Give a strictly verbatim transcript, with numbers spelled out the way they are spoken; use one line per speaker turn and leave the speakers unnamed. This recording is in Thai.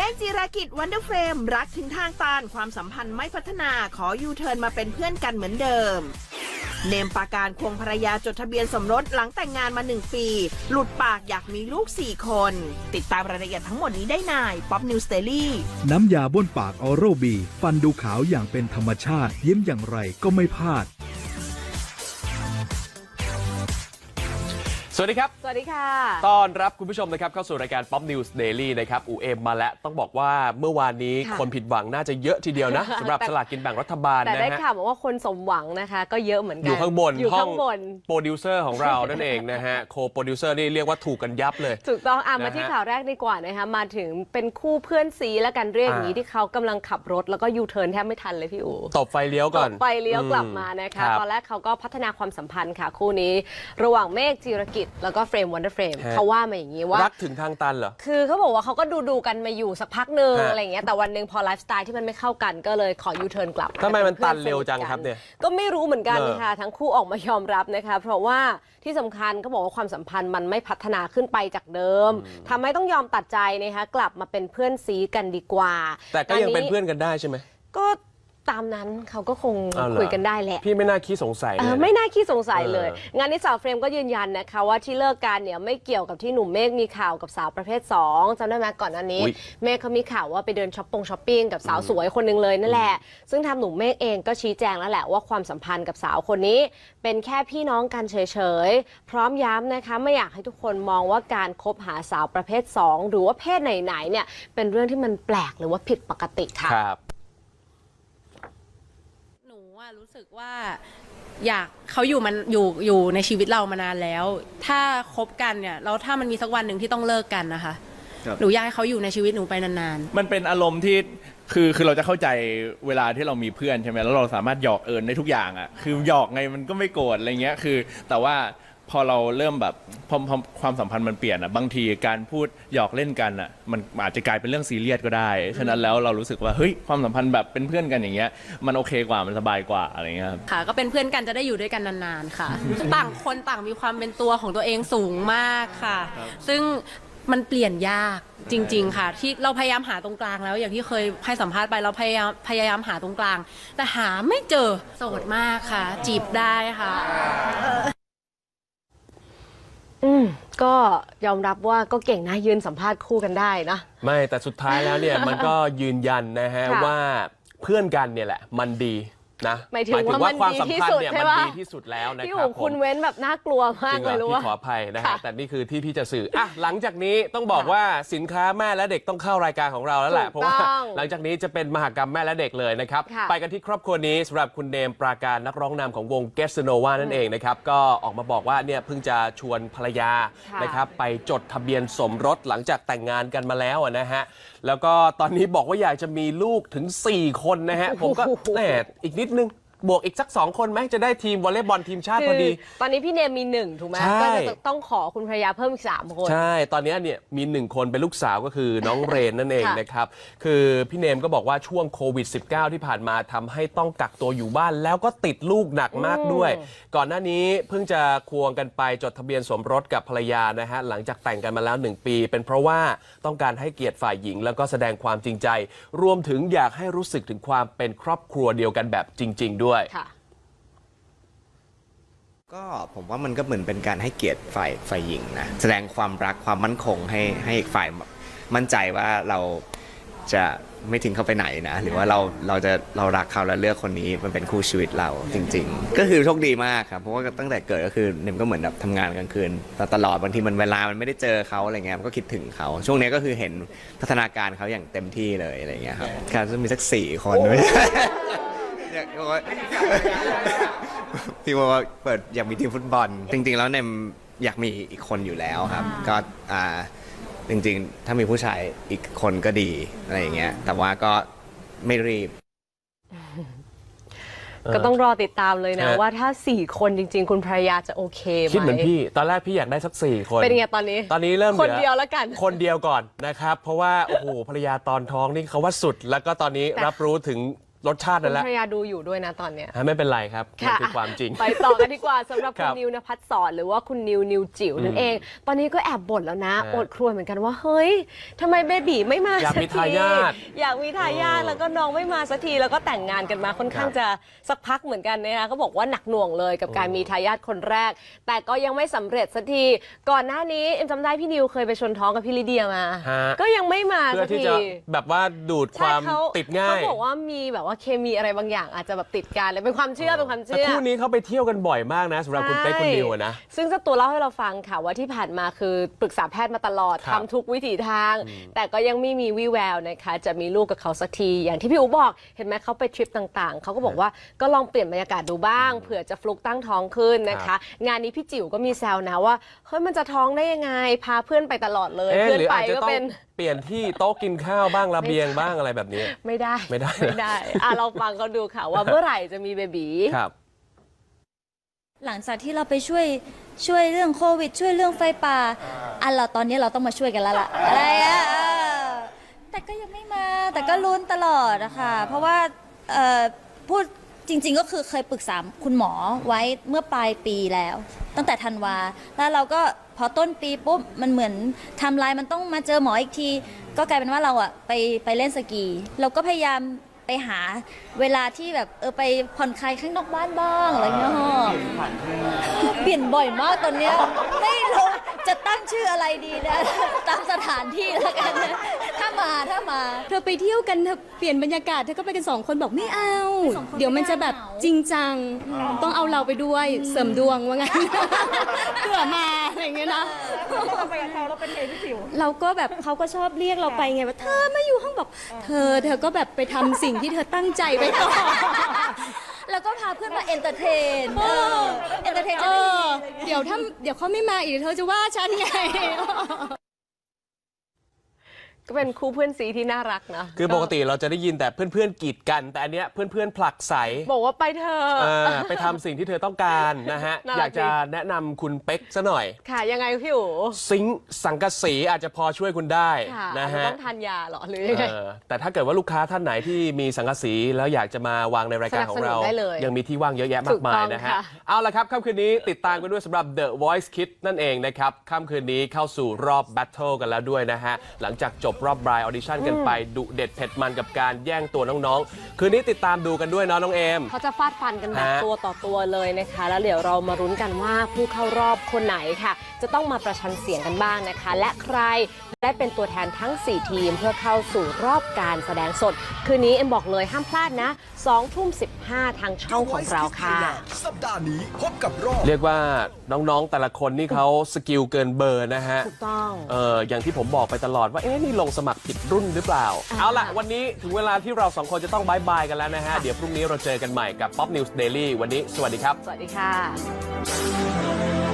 ฆจิรากิจวันเดอร์เฟรมรักถึงทางตันความสัมพันธ์ไม่พัฒนาขอยูเทิร์นมาเป็นเพื่อนกันเหมือนเดิมเนมปาการควงภรรยาจดทะเบียนสมรสหลังแต่งงานมาหนึ่งปีหลุดปากอยากมีลูกสี่คนติดตามรายละเอียดทั้งหมดนี้ได้ในป๊อปนิวส์เดลี่
น้ำยาบ้วนปากออโรบีฟันดูขาวอย่างเป็นธรรมชาติยิ้มอย่างไรก็ไม่พลาด
สวัสดีครับ
สวัสดีค่ะ
ต้อนรับคุณผู้ชมนะครับเข้าสู่รายการ Pop News Daily นะครับอูเอ็มมาแล้วต้องบอกว่าเมื่อวานนี้คนผิดหวังน่าจะเยอะทีเดียวนะสำหรับสลากกินแบ่งรัฐบาลนะฮะ
แต่ได้ข่าวบอกว่าคนสมหวังนะคะก็เยอะเหมือนกัน
อยู่ข้างบน
อยู่ข้างบน
โปรดิวเซอร์ของเรานั่นเองนะฮะโคโปรดิวเซอร์นี่เรียกว่าถูกกันยับเลย
ถูกต้องอ่ะมาที่ข่าวแรกดีกว่านะคะมาถึงเป็นคู่เพื่อนซีและกันเรียกอย่างนี้ที่เขากำลังขับรถแล้วก็ยูเทิร์นแทบไม่ทันเลยพี่อู๋
ตบไฟเลี้ยวก่อน
ตบไฟเลี้ยวกลับมานะคะตอนแรกเขาก็พัฒนาความสัมพันธ์ค่ะคู่นี้ระหว่างเมฆจิรกิจแล้วก็เฟรมวันเดอร์เฟรมเขาว่ามาอย่างนี้ว่า
รักถึงทางตันเหรอ
คือเขาบอกว่าเขาก็ดูดูกันมาอยู่สักพักหนึ่งอะไรอย่างเงี้ยแต่วันหนึ่งพอไลฟ์สไตล์ที่มันไม่เข้ากันก็เลยขอยูเทิร์นกลับ
ทำไมมันตันเร็วจังครับเนี่ย
ก็ไม่รู้เหมือนกันค่ะทั้งคู่ออกมายอมรับนะคะเพราะว่าที่สำคัญเขาบอกว่าความสัมพันธ์มันไม่พัฒนาขึ้นไปจากเดิมทำให้ต้องยอมตัดใจนะคะกลับมาเป็นเพื่อนซีกันดีกว่า
แต่ก็ยังเป็นเพื่อนกันได้ใช่ไหม
ก็ตามนั้นเขาก็คงคุยกันได้แหละ
พี่ไม่น่าขี้สงสัยเลย
ไม่น่าขี้สงสัยเลยงานนี้สาวเฟรมก็ยืนยันนะคะว่าที่เลิกกันเนี่ยไม่เกี่ยวกับที่หนุ่มเมฆมีข่าวกับสาวประเภทสองจำได้ไหมก่อนหน้านี้เมฆเขามีข่าวว่าไปเดินช้อปปงช้อปปิ้งกับสาวสวยคนนึงเลยนั่นแหละซึ่งทางหนุ่มเมฆเองก็ชี้แจงแล้วแหละว่าความสัมพันธ์กับสาวคนนี้เป็นแค่พี่น้องกันเฉยๆพร้อมย้ำนะคะไม่อยากให้ทุกคนมองว่าการคบหาสาวประเภทสองหรือว่าเพศไหนๆเนี่ยเป็นเรื่องที่มันแปลกหรือว่าผิดปกติค่ะ
รู้สึกว่าอยากเขาอยู่มันอยู่อยู่ในชีวิตเรามานานแล้วถ้าคบกันเนี่ยแล้วถ้ามันมีสักวันหนึ่งที่ต้องเลิกกันนะคะหนูอยากให้เขาอยู่ในชีวิตหนูไปนาน
ๆมันเป็นอารมณ์ที่คือคือเราจะเข้าใจเวลาที่เรามีเพื่อนใช่ไหมแล้วเราสามารถหยอกเอิญได้ทุกอย่างอ่ะคือหยอกไงมันก็ไม่โกรธอะไรเงี้ยคือแต่ว่าพอเราเริ่มแบบพอความสัมพันธ์มันเปลี่ยนอ่ะบางทีการพูดหยอกเล่นกันอ่ะมันอาจจะกลายเป็นเรื่องซีเรียสก็ได้ฉะนั้นแล้วเรารู้สึกว่าเฮ้ยความสัมพันธ์แบบเป็นเพื่อนกันอย่างเงี้ยมันโอเคกว่ามันสบายกว่าอะไรเงี้ย
ค่ะก็เป็นเพื่อนกันจะได้อยู่ด้วยกันนานๆค่ะต่างคนต่างมีความเป็นตัวของตัวเองสูงมากค่ะซึ่งมันเปลี่ยนยากจริงๆค่ะที่เราพยายามหาตรงกลางแล้วอย่างที่เคยให้สัมภาษณ์ไปเราพยายามพยายามหาตรงกลางแต่หาไม่เจอโสดมากค่ะจีบได้ค่ะ
อืมก็ยอมรับว่าก็เก่งนะยืนสัมภาษณ์คู่กันได้นะ
ไม่แต่สุดท้ายแล้วเนี่ยมันก็ยืนยันนะฮะว่าเพื่อนกันเนี่ยแหละมันดีนะ
หมายถึงว่าความสัมพันธ์เนี่ย
มันดีที่สุดแล้วนะครับ
พี่คุณเว้นแบบน่ากลัวมากเลยรู้ว่า
พี่ขออภัยนะฮะแต่นี่คือที่พี่จะสื่ออ่ะหลังจากนี้ต้องบอกว่าสินค้าแม่และเด็กต้องเข้ารายการของเราแล้วแหละเพราะว่าหลังจากนี้จะเป็นมหกรรมแม่และเด็กเลยนะครับไปกันที่ครอบครัวนี้สำหรับคุณเนมปราการนักร้องนำของวงเกสโนวานั่นเองนะครับก็ออกมาบอกว่าเนี่ยเพิ่งจะชวนภรรยานะครับไปจดทะเบียนสมรสหลังจากแต่งงานกันมาแล้วนะฮะแล้วก็ตอนนี้บอกว่าอยากจะมีลูกถึงสี่คนนะฮะผมก็แหมอีกนิดนึงบวกอีกสักสองคนไหมจะได้ทีมวอลเลย์บอลทีมชาติพอดี
ตอนนี้พี่เนมมีหนึ่งถูกไหมก็จะต้องขอคุณภรรยาเพิ่มอีกสามคน
ใช่ตอนนี้เนี่ยมีหนึ่งคนเป็นลูกสาวก็คือน้องเรนนั่นเองนะครับคือพี่เนมก็บอกว่าช่วงโควิด สิบเก้า ที่ผ่านมาทำให้ต้องกักตัวอยู่บ้านแล้วก็ติดลูกหนักมากด้วยก่อนหน้านี้เพิ่งจะควงกันไปจดทะเบียนสมรสกับภรรยานะฮะหลังจากแต่งกันมาแล้วหนึ่งปีเป็นเพราะว่าต้องการให้เกียรติฝ่ายหญิงแล้วก็แสดงความจริงใจรวมถึงอยากให้รู้สึกถึงความเป็นครอบครัวเดียวกันแบบจริงๆด้วย
ก็ผมว่ามันก็เหมือนเป็นการให้เกียรติฝ่ายฝ่ายหญิงนะแสดงความรักความมั่นคงให้ให้อีกฝ่ายมั่นใจว่าเราจะไม่ทิ้งเขาไปไหนนะหรือว่าเราเราจะเรารักเขาและเลือกคนนี้มันเป็นคู่ชีวิตเราจริงๆก็คือโชคดีมากครับเพราะว่าตั้งแต่เกิดก็คือเนมก็เหมือนแบบทำงานกลางคืนตลอดบางทีมันเวลามันไม่ได้เจอเขาอะไรเงี้ยมันก็คิดถึงเขาช่วงนี้ก็คือเห็นพัฒนาการเขาอย่างเต็มที่เลยอะไรเงี้ยครับการจะมีสักสี่คนด้วยพี่ว่าเปิดอยากมีทีมฟุตบอลจริงๆแล้วเนมอยากมีอีกคนอยู่แล้วครับก็อ่าจริงๆถ้ามีผู้ชายอีกคนก็ดีอะไรอย่างเงี้ยแต่ว่าก็ไม่รีบ
ก็ต้องรอติดตามเลยนะว่าถ้าสี่คนจริงๆคุณภรรยาจะโอเคไหม
คิดเหมือนพี่ตอนแรกพี่อยากได้สักสี่คน
เป็นไงตอนนี้
ตอนนี้เริ่ม
คนเดียวแล้วกัน
คนเดียวก่อนนะครับเพราะว่าโอ้โหภรรยาตอนท้องนี่เขาว่าสุดแล้วก็ตอนนี้รับรู้ถึงรสชาตินั่นแหละ
ภรรยาดูอยู่ด้วยนะตอนเนี้ย
ไม่เป็นไรครับมันคือความจริง
ไปต่อกันดีกว่าสำหรับ
ครั
คุณ
บ
นิวนภัสสรหรือว่าคุณนิวนิวจิ๋วนั่นเอง ตอนนี้ก็แอบบ่นแล้วนะ
ฮะ
อดครวญเหมือนกันว่าเฮ้ยทำไมเบบีไม่มา
อยาก
สัก
มี
ที
ทายาท
อยากมีทายาท
เออ
แล้วก็น้องไม่มาสักทีแล้วก็แต่งงานกันมาค่อนข้าง
ครับ
จะสักพักเหมือนกันนะคะเขาบอกว่าหนักหน่วงเลยกับการมีทายาทคนแรก แต่ก็ยังไม่สำเร็จสักทีก่อนหน้านี้เอ็มจำได้พี่นิวเคยไปชนท้องกับพี่ลิเดียมา
ฮะ
ก็ยังไม่มา
เพื่
สั
อก ที่
ที
จะแบบว่าดูดความ
ใช่เข
ติดง่าย
เขาบอกว่ามีแบบว่าเคมีอะไรบางอย่างอาจจะแบบติดกันเลยเป็นความเชื่อเป็นความ
แต่
เชื่อ
คู่นี้เขาไปเที่ยวกันบ่อยมากนะสำหรับคุณเป๊กคุณนิวอะนะ
ซึ่งเจ้าตัวเล่าให้เราฟังค่ะว่าที่ผ่านมาคือปรึกษาแพทย์มาตลอด
ครับ
ทำทุกวิถีทาง แต่ก็ยังไม่มีวี่แววนะคะจะมีลูกกับเขาสักที อย่างที่พี่อู๋บอกเห็นไหมเขาไปทริปต่างๆ เขาก็บอกว่าก็ลองเปลี่ยนบรรยากาศดูบ้างเผื่อจะฟลุกตั้งท้องขึ้นนะ
ครั
คะ
บ
งานนี้พี่จิ๋วก็มีแซวนะว่าเฮ้ยมันจะท้องได้ยังไง พาเพื่อนไปตลอดเลย
เอ๊ะ
เพื่อน
หรือ
ไป
อาจจะ
ก็
ต้อง
เป็น
เปลี่ยนที่โต๊ะกินข้าวบ้างระเบียงบ้างอะไรแบบนี้
ไม่ได้
ไม่ได้
ไม่ได้อ่ะเราฟังเขาดูค่ะว่าเมื่อไหร่จะมีเบบี
ครับ
หลังจากที่เราไปช่วยช่วยเรื่องโควิด ช่วยเรื่องไฟป่าอันเราตอนนี้เราต้องมาช่วยกันแล้วล่ะอะไรอ่ะเออแต่ก็ยังไม่มาแต่ก็ลุ้นตลอดนะคะเพราะว่าเอ่อพูดจริง ๆ ก็คือเคยปรึกษาคุณหมอไว้เมื่อปลายปีแล้ว ตั้งแต่ธันวาแล้วเราก็พอต้นปีปุ๊บมันเหมือนไทม์ไลน์มันต้องมาเจอหมออีกที ก็กลายเป็นว่าเราอะไปไปเล่นสกี เราก็พยายามไปหาเวลาที่แบบเออไปผ่อนคลายข้างนอกบ้านบ้างอะไรเงี้ยฮะเปลี่ยนบ่อยมากตอนเนี้ยไม่รู้จะตั้งชื่ออะไรดีนะ ตามสถานที่แล้วกันนะถ้ามาถ้ามา
เธอไปเที่ยวกันเธอเปลี่ยนบรรยากาศเธอก็ไปกันสองคนบอกไม่เอา
สองคน
เดี๋ยวมันจะแบบ
ไม่เอา
จริงจังต้องเอาเราไปด้วยเสริมดวงว่างั้น เผื่อมาอะไรอย่างเงี้ยนะเราก็แบบเขาก็ชอบเรียกเราไปไงว่าเธอไม่อยู่ห้องบอก เธอเธอก็แบบไปทำสิ่งที่เธอตั้งใจไว้ก่อน
แล้วก็พาเพื่อนมาเอนเตอร์เทนเออเอนเตอร์เทน
เอ
จะได้
อเดี๋ยวถ้าเดี๋ยวเขาไม่มาอีกเธอจะว่าฉันไง
ก็เป็นคู่เพื่อนซีที่น่ารักนะ
คือปกติเราจะได้ยินแต่เพื่อนๆกีดกัน แต่อันเนี้ยเพื่อนๆผลักใส
บอกว่าไปเธอะ
เออไปทำสิ่งที่เธอต้องการนะฮะ
น่ารัก
อยากจะแนะนำคุณเป๊กซะหน่อย
ค่ะยังไงพี่อู๋
ซิงค์สังกะสีอาจจะพอช่วยคุณได้
ค่ะ
นะ
อาจจะ
ฮะ
ต้องทานยาเหรอหรือยังไง
เออแต่ถ้าเกิดว่าลูกค้าท่านไหนที่มีสังกะสีแล้วอยากจะมาวางในรายการของเรา
สนับสนุนได้เลย
ยังมีที่ว่างเยอะแยะมากมายนะฮะ
ถูกต้องค่ะ
เอาละครับค่ำคืนนี้ติดตามกันด้วยสำหรับ The Voice Kids นั่นเองนะครับค่ำคืนนี้เข้าสู่รอบ Battle กันแล้วด้วยนะฮะ หลังจากจบรอบบรายออดิชั่นกันไปดุเด็ดเผ็ดมันกับการแย่งตัวน้องๆ คืนนี้ติดตามดูกันด้วยเนาะน้องเอม
เขาจะฟาดฟันกันแบบ
ฮะ
ตัวต่อตัวเลยนะคะ แล้วเดี๋ยวเรามารุ้นกันว่าผู้เข้ารอบคนไหนค่ะ จะต้องมาประชันเสียงกันบ้างนะคะ และใครได้เป็นตัวแทนทั้ง สี่ ทีมเพื่อเข้าสู่รอบการแสดงสด คืนนี้เอ็มบอกเลยห้ามพลาดนะสองทุ่มสิบห้าทางช่องของเราค่ะ
สัปดาห์นี้พบกับรอบ
เรียกว่าน้องๆแต่ละคนนี่เขาสกิลเกินเบอร์นะฮะ
ถูกต้อง
เอออย่างที่ผมบอกไปตลอดว่า เอ๊ะ นี่ลงสมัครผิดรุ่นหรือเปล่า
อ่า
เอาล่ะ วันนี้ถึงเวลาที่เราสองคนจะต้องบายบายกันแล้วนะฮะ เดี๋ยวพรุ่งนี้เราเจอกันใหม่กับ Pop News Daily วันนี้ สวัสดีครับ
สวัสดีค่ะ